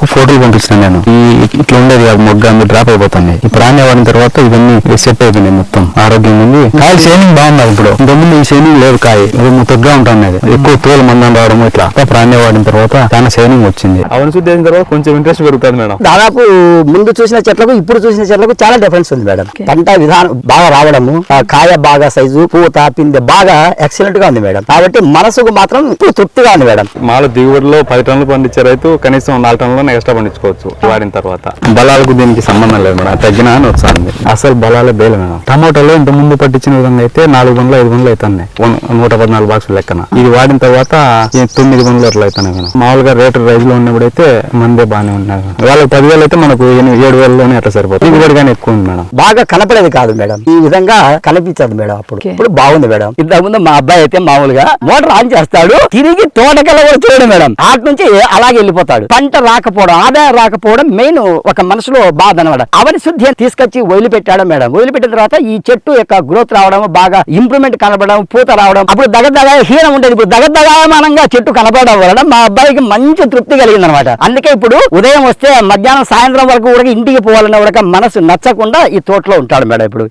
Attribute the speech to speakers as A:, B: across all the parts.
A: వరకు ఫోటోలు పంపిస్తాను నేను. ఇట్లా ఉండేది మొగ్గ అన్ని డ్రాప్ అయిపోతుంది. ఈ ప్రాణ్య వాడిన తర్వాత ఇవన్నీ సెట్ అయిపోయినాయి, మొత్తం ఆరోగ్యం ఉంది. కాయ షైనింగ్ బాగుంది. ఇప్పుడు ఇంతకుముందు ఈ షైనింగ్ లేదు, కాయ ముత్తగా ఉంటుంది, ఎక్కువ తోలు మందం రావడం ఇట్లా. ప్రాణ్య వాడిన తర్వాత చాలా షైనింగ్ వచ్చింది. అవన్నీ శుద్ధి అయిన తర్వాత కొంచెం ఇంట్రెస్ట్ పెరుగుతుంది మేడం.
B: దాదాపు ముందు చూసిన చెట్లకు ఇప్పుడు చూసిన చెట్లకు చాలా డిఫరెన్స్ ఉంది మేడం. పంట విధానం బాగా రావడము, కాయ బాగా సైజు, పూత పిందె బాగా ఎక్సలెంట్ గా ఉంది మేడం. కాబట్టి మనసుకు మాత్రం ఇప్పుడు తృప్తిగా ఉంది మేడం.
A: మాలో దిగుబడిలో 10 టన్నులు పండించే రైతు కనీసం 4 టన్నులను ఎక్స్ట్రా పండించుకోవచ్చు వాడిన తర్వాత. బలాలకు దీనికి సంబంధం లేదు మేడం, తగ్గినా అని వస్తుంది. అసలు బలాలే బేలు మేడం. టమాటోలో ఇంత ముందు పట్టించిన విధంగా అయితే 4 బండ్లు 5 బండ్లు అవుతున్నాయి, 114 బాక్సులు లెక్కన. ఇది వాడిన తర్వాత 9 బండ్లు అట్లా అవుతున్నాయి మేడం. మామూలుగా రేటు రైజ్ లో ఉన్నప్పుడైతే మందే బాగానే ఉన్నాయి. వాళ్ళకి 10,000 అయితే మనకు 7,000లోనే అట్లా సరిపోతుంది. దిగుబడి కానీ ఎక్కువ ఉంది మేడం.
B: బాగా కనపడేది కాదు మేడం, ఈ విధంగా కనిపించదు మేడం. ఇప్పుడు బాగుంది మేడం. ఇంతకుముందు మా అబ్బాయి అయితే మామూలుగా మోటార్ ఆన్ చేస్తాడు, తిరిగి తోటకల్లా కూడా చూడడు మేడం. ఆటి నుంచి అలాగే వెళ్ళిపోతాడు. పంట రాకపోవడం, ఆదాయం రాకపోవడం మెయిన్ ఒక మనసులో బాధ అనమాట. అవని శుద్ధి తీసుకొచ్చి వదిలిపెట్టాడు మేడం. వదిలిపెట్టిన తర్వాత ఈ చెట్టు యొక్క గ్రోత్ రావడం, బాగా ఇంప్రూవ్మెంట్ కనపడడం, పూత రావడం, అప్పుడు దగదగ హీనం ఉండేది. ఇప్పుడు దగదగమానంగా చెట్టు కనపడడం వలన మా అబ్బాయికి మంచి తృప్తి కలిగింది అనమాట. అందుకే ఇప్పుడు ఉదయం వస్తే మధ్యాహ్నం సాయంత్రం వరకు కూడా ఇంటికి పోవాలన్న కూడా మనసు నచ్చకుండా ఈ తోటలో ఉంటాడు మేడం. ఇప్పుడు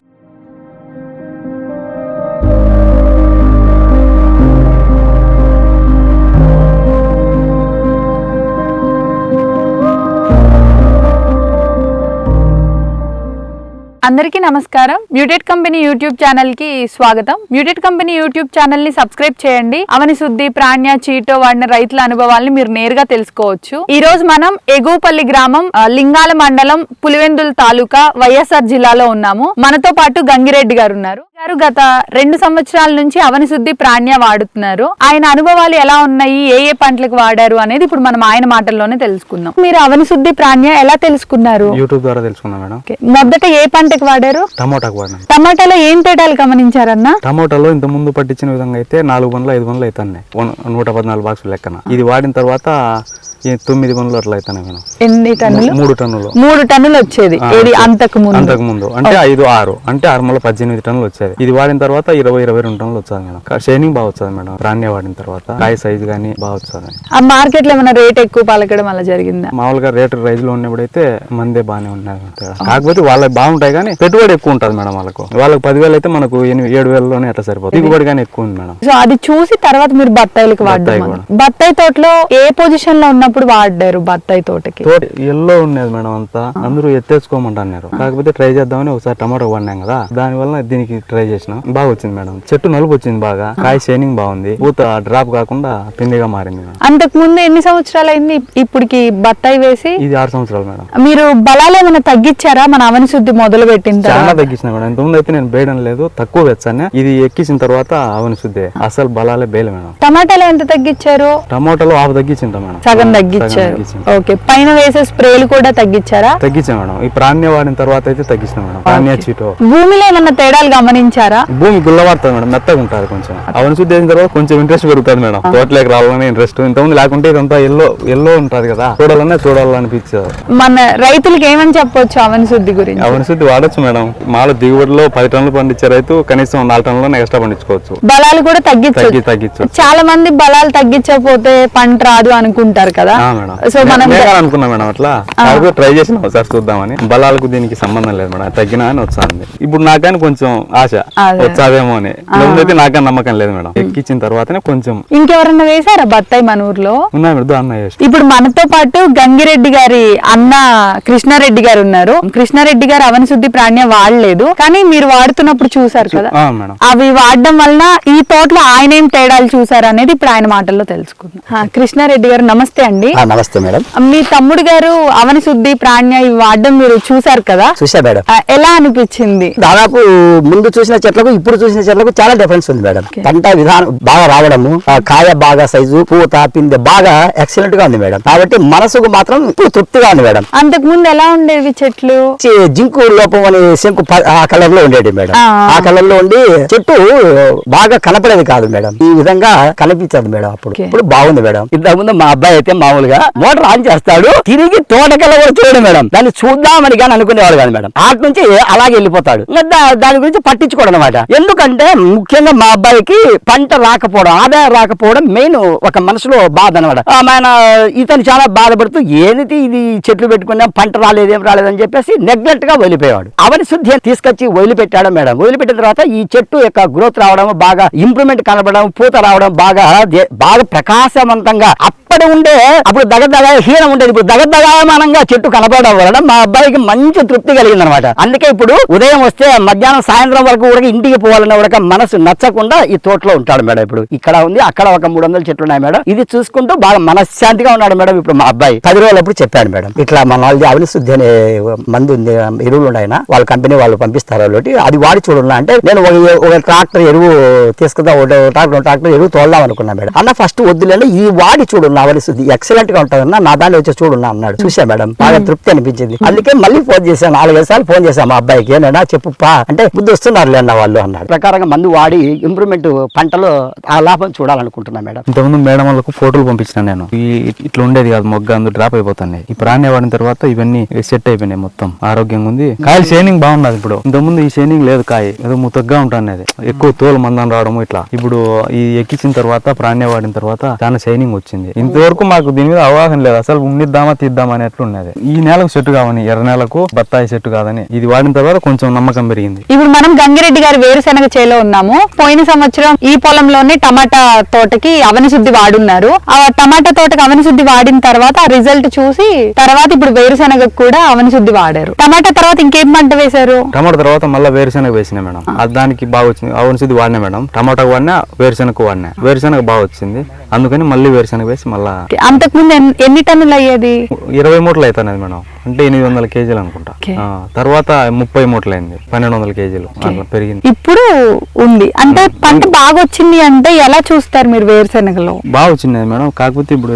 C: అందరికీ నమస్కారం. మ్యూటెడ్ కంపెనీ యూట్యూబ్ ఛానల్ కి స్వాగతం. మ్యూటెడ్ కంపెనీ యూట్యూబ్ ఛానల్ ని సబ్స్క్రైబ్ చేయండి. అవని శుద్ధి, ప్రాణ్య, చీటో వాడిన రైతుల అనుభవాలను మీరు నేరుగా తెలుసుకోవచ్చు. ఈ రోజు మనం ఎగువపల్లి గ్రామం, లింగాల మండలం, పులివెందుల తాలూకా, వైఎస్ఆర్ జిల్లాలో ఉన్నాము. మనతో పాటు గంగిరెడ్డి గారు ఉన్నారు. గత 2 సంవత్సరాల నుంచి అవని శుద్ధి, ప్రాణ్య వాడుతున్నారు. ఆయన అనుభవాలు ఎలా ఉన్నాయి, ఏ పంటలకు వాడారు అనేది ఇప్పుడు మనం ఆయన మాటల్లోనే తెలుసుకుందాం. మీరు అవని శుద్ధి, ప్రాణ్య ఎలా తెలుసుకున్నారు?
A: యూట్యూబ్ ద్వారా తెలుసుకున్నాం మేడం.
C: మొదట ఏ పంటకు వాడారు?
A: టమోటాకు వాడినాం.
C: టమాటాలో ఏం తేడాలు గమనించారన్నా?
A: టమోటాలో ఇంత ముందు పట్టించిన విధంగా అయితే 4 బండ్లు 5 బండ్లు అవుతున్నాయి, 114 బాక్సులు లెక్కన. ఇది వాడిన తర్వాత 9 బండ్లు అట్లా అవుతున్నాయి మేడం.
C: ఎన్ని టన్నులు?
A: 3 టన్నులు.
C: 3 టన్నులు వచ్చేది అంతకు ముందు
A: అంటే 5 6 అంటే 6 18 టన్నులు వచ్చేది. ఇది వాడిన తర్వాత 20-22 టన్నులు వచ్చేది మేడం. షైనింగ్ బాగా వచ్చేది మేడం. ప్రాణ్య వాడిన తర్వాత కాయ సైజు గానీ బాగా వచ్చేది.
C: ఆ మార్కెట్ లో ఏమైనా రేట్ ఎక్కువ పలకడం అలా జరిగిందా?
A: మామూలుగా రేటు రైజ్ లో ఉన్నప్పుడైతే మందే బాగానే ఉన్నాయి. కాకపోతే వాళ్ళకి బాగుంటాయి కానీ పెట్టుబడి ఎక్కువ ఉంటుంది మేడం. వాళ్ళకి 10,000 అయితే మనకు 7,000లోనే అట్లా సరిపోతుంది. దిగుబడి కానీ ఎక్కువ ఉంది మేడం.
C: సో అది చూసి తర్వాత మీరు బత్తాయిలకు వాడారు. బత్తాయి తోటలో ఏ పొజిషన్ లో ఉన్నప్పుడు వాడారు? బత్తాయి తోటకి
A: ఎల్లో ఉండేది మేడం. అంతా అందరూ ఎత్తేసుకోమంటున్నారు. కాకపోతే ట్రై చేద్దామని ఒకసారి టమాటో వాడినాం కదా, దాని వల్ల దీనికి ట్రై చేసిన బాగా వచ్చింది మేడం. చెట్టు నలుపు వచ్చింది బాగా, కాయ షైనింగ్ బాగుంది, పూత డ్రాప్ కాకుండా పిండిగా మారింది మేడం.
C: అంతకు ముందు ఎన్ని సంవత్సరాలు అయింది ఇప్పటికి బత్తాయి వేసి?
A: ఇది 6 సంవత్సరాలు మేడం.
C: మీరు బలాలు ఏమైనా తగ్గించారా మన అవని శుద్ధి మొదలు పెట్టిన?
A: చాలా తగ్గించిన మేడం. ఇంతకుముందు అయితే నేను బేయడం లేదు, తక్కువ వెచ్చాను. ఇది ఎక్కించిన తర్వాత అవని శుద్ధి అసలు బలాలే బేలు మేడం.
C: టమాటాలు ఎంత తగ్గించారు?
A: టమాటాలో ఆఫ్ తగ్గించింట మేడం.
C: సగం తగ్గించారు. ఓకే, పైన వేసే స్ప్రేలు కూడా తగ్గించారా?
A: తగ్గించా మేడం. ఈ ప్రాణ్య వాడిన తర్వాత అయితే తగ్గించిన మేడం. ప్రాణ్య చీటో.
C: భూమిలో ఏమన్నా తేడాలు గమనించారా?
A: భూమి గుల్లవాడుతుంది మేడం, మెత్తగా ఉంటుంది కొంచెం. అవన్నీ శుద్ధి అయిన తర్వాత కొంచెం ఇంట్రెస్ట్ పెరుగుతుంది మేడం. తోటలోకి రావాలని ఇంట్రెస్ట్. ఇంతకుముందు లేకుంటే ఇదంతా ఎల్లో ఉంటుంది కదా, చూడాలనిపించేది.
C: మన రైతులకి ఏమని చెప్పొచ్చు అవని శుద్ధి గురించి?
A: అవని శుద్ధి వాడచ్చు మేడం. మాలో దిగుబడిలో 10 టన్నులు పండించే రైతు కనీసం 4 టన్నులను ఎక్స్ట్రా పండించుకోవచ్చు.
C: బలాలు కూడా తగ్గించు. చాలా మంది బలాలు తగ్గించకపోతే పంట రాదు అనుకుంటారు కదా. సో మనం
A: అనుకున్నా మేడం అట్లా ట్రై చేసిన ఒకసారి చూద్దామని. బలాలకు దీనికి సంబంధం లేదు మేడం, తగ్గినా అని వస్తుంది. ఇప్పుడు నాకని కొంచెం ఆశ వచ్చాదేమో అని. అయితే నాకని నమ్మకం లేదు మేడం. ఎక్కించిన తర్వాతనే కొంచెం.
C: ఇంకెవరన్నా వేసారా బత్తాయి మన ఊర్లో?
A: ఉన్నాయి మేడం, అన్న.
C: ఇప్పుడు మనతో పాటు గంగిరెడ్డి గారి అన్న కృష్ణారెడ్డి గారు ఉన్నారు. కృష్ణారెడ్డి గారు అవని శుద్ధి, ప్రాణ్య వాడలేదు, కానీ మీరు వాడుతున్నప్పుడు చూసారు కదా. అవి వాడడం వలన ఈ తోటలో ఆయన ఏం తేడాలు చూసారు అనేది ఇప్పుడు ఆయన మాటల్లో తెలుసుకుందాం. కృష్ణారెడ్డి గారు నమస్తే అండి.
B: నమస్తే మేడం.
C: మీ తమ్ముడు గారు అవని శుద్ధి, ప్రాణ్య ఇవి వాడడం మీరు చూసారు కదా.
B: చూసా మేడం.
C: ఎలా అనిపించింది?
B: దాదాపు ముందు చూసిన చెట్లకు ఇప్పుడు చూసిన చెట్లకు చాలా డిఫరెన్స్ ఉంది మేడం. పంట విధానం బాగా రావడము, కాయ బాగా సైజు, పూత పిందె బాగా ఎక్సలెంట్ గా ఉంది మేడం. కాబట్టి మనసుకు మాత్రం ఇప్పుడు తృప్తిగా ఉంది మేడం.
C: అంతకు ముందు ఎలా ఉండేవి చెట్లు?
B: జింకు లోపం అని శంకు ఆ కలర్ లో ఉండేది మేడం. ఆ కలర్ లో ఉండి చెట్టు బాగా కనపడేది కాదు మేడం. ఈ విధంగా కనిపించదు మేడం. ఇప్పుడు బాగుంది మేడం. ఇంతకుముందు మా అబ్బాయి అయితే మామూలుగా మోటార్ ఆన్ చేస్తాడు, తిరిగి తోటకెళ్ళ కూడా చూడడు మేడం. దాన్ని చూద్దామని కానీ అనుకునేవాడు కాదు మేడం. అటు నుంచి అలాగే వెళ్ళిపోతాడు. దాని గురించి పట్టించుకోవడం అనమాట. ఎందుకంటే ముఖ్యంగా మా అబ్బాయికి పంట రాకపోవడం, ఆదాయం రాకపోవడం మెయిన్ ఒక మనసులో బాధ అనమాట. ఆయన ఇతను చాలా బాధపడుతూ ఏది ఇది చెట్లు పెట్టుకున్నా పంట రాలేదేం రాలేదని చెప్పేసి నెగ్లెక్ట్ గా వదిలిపోయాడు. అవని శుద్ధి తీసుకొచ్చి వదిలిపెట్టాడు మేడం. వదిలిపెట్టిన తర్వాత ఈ చెట్టు యొక్క గ్రోత్ రావడం, బాగా ఇంప్రూవ్మెంట్ కనబడడం, పూత రావడం, బాగా ప్రకాశవంతంగా అప్పటి ఉండే అప్పుడు దగదగ హీనం ఉండేది. ఇప్పుడు దగదగామానంగా చెట్టు కనపడడం వలన మా అబ్బాయికి మంచి తృప్తి కలిగింది అనమాట. అందుకే ఇప్పుడు ఉదయం వస్తే మధ్యాహ్నం సాయంత్రం వరకు కూడా ఇంటికి పోవాలన్న కూడా మనసు నచ్చకుండా ఈ తోటలో ఉంటాడు మేడం. ఇప్పుడు ఇక్కడ ఉంది, అక్కడ ఒక 300 చెట్లు ఉన్నాయి మేడం. ఇది చూసుకుంటూ బాగా మనశ్శాంతిగా ఉన్నాడు మేడం. ఇప్పుడు మా అబ్బాయి 10 రోజులప్పుడు చెప్పాడు మేడం, ఇట్లా మన వాళ్ళది అవని శుద్ధి అనే మందు ఉంది, ఎరువులు ఉన్నాయన వాళ్ళ కంపెనీ వాళ్ళు పంపిస్తారు కాబట్టి అది వాడి చూడాల అంటే నేను ఒక ట్రాక్టర్ ఎరువు తీసుకుందా, ట్రాక్టర్ ఎరువు తోడదాం అనుకున్నా మేడం. అన్న ఫస్ట్ వద్దులేండి ఈ వాడి చూడు అవని శుద్ధి ఎక్సలెంట్ గా ఉంటుందన్న, నా దాన్ని వచ్చి చూడున్నా అన్నాడు. చూసా మేడం, బాగా తృప్తి అనిపించింది. అందుకే మళ్ళీ ఫోన్ చేశాను, 4-5 సార్లు ఫోన్ చేశాను మా అబ్బాయికి. ఏనా చెప్పుపా అంటే బుద్ధి వస్తున్నారు లేన్న వాళ్ళు అన్నాడు. ప్రకారంగా మందు వాడి ఇంప్రూవ్మెంట్ పంటలో ఆ లాభం చూడాలనుకుంటున్నా మేడం.
A: ఇంతకుముందు మేడం వాళ్ళకు ఫోటోలు పంపించిన నేను, ఇట్లా ఉండేది కాదు మొగ్గ, అందుకు డ్రాప్ అయిపోతున్నాయి. ఈ ప్రాణ్య వాడిన తర్వాత ఇవన్నీ సెట్ అయిపోయినాయి, మొత్తం ఆరోగ్యంగా ఉంది. కాయలు షైనింగ్ బాగున్నది. ఇప్పుడు ఇంతకుముందు ఈ షైనింగ్ లేదు, కాయ ఏదో ముతగ్గా ఉంటుంది, ఎక్కువ తోలు మందం రావడం ఇట్లా. ఇప్పుడు ఈ ఎక్కించిన తర్వాత ప్రాణ్య వాడిన తర్వాత చాలా షైనింగ్ వచ్చింది. ఇంతవరకు మాకు దీని మీద అవగాహన లేదు, అసలు ఉండిద్దామా తీద్దామా అని ఎట్లా ఉన్నది. ఈ నేలకు సెట్ కావని, ఎర్ర నేలకు బత్తాయి సెట్ కాదని ఇది వాడిన తర్వాత కొంచెం నమ్మకం పెరిగింది.
C: ఇప్పుడు మనం గంగిరెడ్డి గారి వేరుశెనగ చేలో ఉన్నాము. పోయిన సంవత్సరం ఈ పొలంలోనే టమాటా తోటకి అవని శుద్ధి వాడున్నారు. ఆ టమాటా తోటకి అవని శుద్ధి వాడిన తర్వాత ఆ రిజల్ట్ చూసి తర్వాత ఇప్పుడు వేరుశెనగకు కూడా అవని శుద్ధి వాడారు. టమాటా తర్వాత ఇంకేం పంట వేశారు?
A: టమాటా తర్వాత మళ్ళీ వేరుశెనగ వేసినా మేడం. దానికి బాగా వచ్చింది. అవని శుద్ధి వాడినా మేడం, టమాటా వాడినా, వేరుశెనగ వాడినా. వేరుశెనగ బాగా వచ్చింది, అందుకని మళ్ళీ వేరుశెనగ వేసి మళ్ళా.
C: అంతకుముందు ఎన్ని టన్నులు అయ్యేది?
A: 20 మూటలు అవుతాయి మేడం, అంటే 800 కేజీలు అనుకుంటా. తర్వాత 30 మూటలు అయింది, 1200 కేజీలు అట్లా పెరిగింది.
C: ఇప్పుడు ఉంది అంటే పంట బాగా వచ్చింది అంటే ఎలా చూస్తారు మీరు వేరుశెనగలో?
A: బాగా వచ్చింది మేడం, కాకపోతే ఇప్పుడు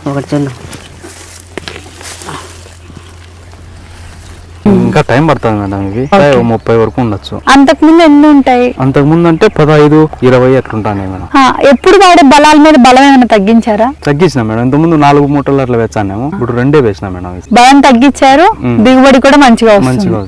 A: ఇంకా టైం పడుతుంది మేడం. ఇవి 30 వరకు ఉండొచ్చు.
C: అంతకుముందు ఎన్ని ఉంటాయి?
A: అంతకుముందు అంటే 15, 20 అట్లుంటాయి మేడం.
C: ఎప్పుడు వాడే బలాల మీద బలం ఏమైనా తగ్గించారా?
A: తగ్గించిన మేడం. ఇంతకుముందు 4 మూటలు అట్లా వేసానేమో, ఇప్పుడు 2 వేసినా మేడం.
C: బలం తగ్గించారు, దిగుబడి కూడా మంచిగా వస్తుంది.